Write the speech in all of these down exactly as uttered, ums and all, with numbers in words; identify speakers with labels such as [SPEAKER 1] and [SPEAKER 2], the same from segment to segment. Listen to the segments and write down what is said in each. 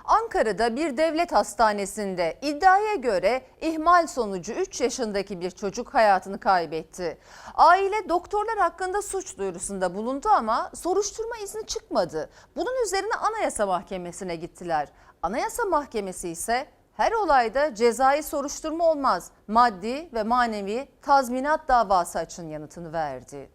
[SPEAKER 1] Ankara'da bir devlet hastanesinde iddiaya göre ihmal sonucu üç yaşındaki bir çocuk hayatını kaybetti. Aile doktorlar hakkında suç duyurusunda bulundu ama soruşturma izni çıkmadı. Bunun üzerine Anayasa Mahkemesi'ne gittiler. Anayasa Mahkemesi ise her olayda cezai soruşturma olmaz, maddi ve manevi tazminat davası açın yanıtını verdi.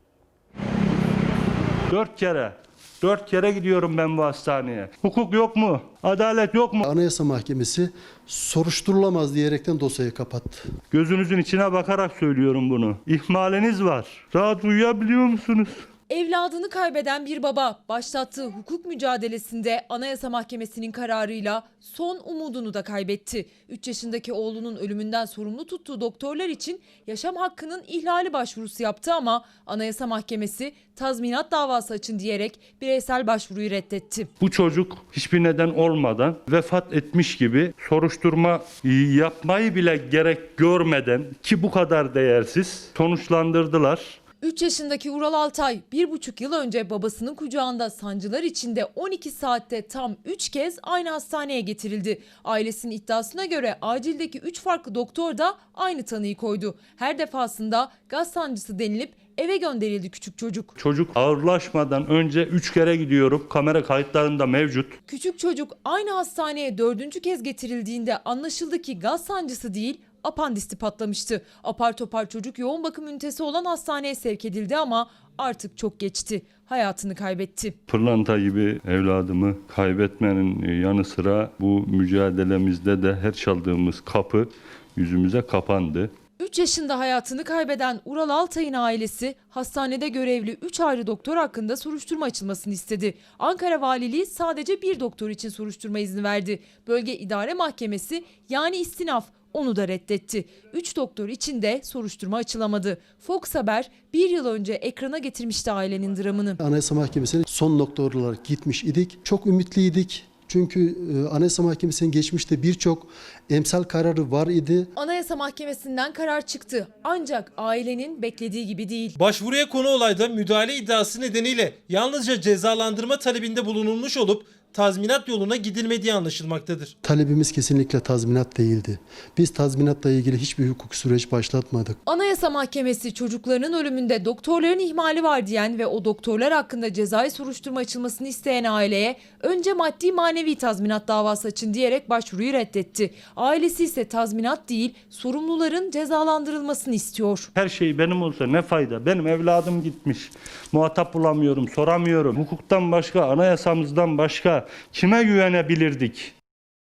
[SPEAKER 2] Dört kere. Dört kere gidiyorum ben bu hastaneye. Hukuk yok mu? Adalet yok mu?
[SPEAKER 3] Anayasa Mahkemesi soruşturulamaz diyerekten dosyayı kapattı.
[SPEAKER 2] Gözünüzün içine bakarak söylüyorum bunu. İhmaliniz var. Rahat uyuyabiliyor musunuz?
[SPEAKER 4] Evladını kaybeden bir baba başlattığı hukuk mücadelesinde Anayasa Mahkemesi'nin kararıyla son umudunu da kaybetti. üç yaşındaki oğlunun ölümünden sorumlu tuttuğu doktorlar için yaşam hakkının ihlali başvurusu yaptı ama Anayasa Mahkemesi tazminat davası açın diyerek bireysel başvuruyu reddetti.
[SPEAKER 2] Bu çocuk hiçbir neden olmadan vefat etmiş gibi soruşturma yapmayı bile gerek görmeden ki bu kadar değersiz sonuçlandırdılar.
[SPEAKER 4] üç yaşındaki Ural Altay bir buçuk yıl önce babasının kucağında sancılar içinde on iki saatte tam üç kez aynı hastaneye getirildi. Ailesinin iddiasına göre acildeki üç farklı doktor da aynı tanıyı koydu. Her defasında gaz sancısı denilip eve gönderildi küçük çocuk.
[SPEAKER 2] Çocuk ağırlaşmadan önce üç kere gidiyorum. Kamera kayıtlarında mevcut.
[SPEAKER 4] Küçük çocuk aynı hastaneye dördüncü kez getirildiğinde anlaşıldı ki gaz sancısı değil, apandisti patlamıştı. Apar topar çocuk yoğun bakım ünitesi olan hastaneye sevk edildi ama artık çok geçti. Hayatını kaybetti.
[SPEAKER 2] Pırlanta gibi evladımı kaybetmenin yanı sıra bu mücadelemizde de her çaldığımız kapı yüzümüze kapandı.
[SPEAKER 4] üç yaşında hayatını kaybeden Ural Altay'ın ailesi hastanede görevli üç ayrı doktor hakkında soruşturma açılmasını istedi. Ankara Valiliği sadece bir doktor için soruşturma izni verdi. Bölge İdare Mahkemesi yani istinaf onu da reddetti. üç doktor için de soruşturma açılamadı. Fox Haber bir yıl önce ekrana getirmişti ailenin dramını.
[SPEAKER 3] Anayasa Mahkemesi'ne son nokta olarak gitmiş idik. Çok ümitliydik. Çünkü Anayasa Mahkemesi'nin geçmişte birçok emsal kararı var idi.
[SPEAKER 4] Anayasa Mahkemesi'nden karar çıktı. Ancak ailenin beklediği gibi değil.
[SPEAKER 5] Başvuruya konu olayda müdahale iddiası nedeniyle yalnızca cezalandırma talebinde bulunulmuş olup tazminat yoluna gidilmediği anlaşılmaktadır.
[SPEAKER 3] Talebimiz kesinlikle tazminat değildi. Biz tazminatla ilgili hiçbir hukuk süreç başlatmadık.
[SPEAKER 4] Anayasa Mahkemesi çocuklarının ölümünde doktorların ihmali var diyen ve o doktorlar hakkında cezai soruşturma açılmasını isteyen aileye önce maddi manevi tazminat davası açın diyerek başvuruyu reddetti. Ailesi ise tazminat değil sorumluların cezalandırılmasını istiyor.
[SPEAKER 2] Her şey benim olsa ne fayda? Benim evladım gitmiş. Muhatap bulamıyorum, soramıyorum. Hukuktan başka, anayasamızdan başka kime güvenebilirdik?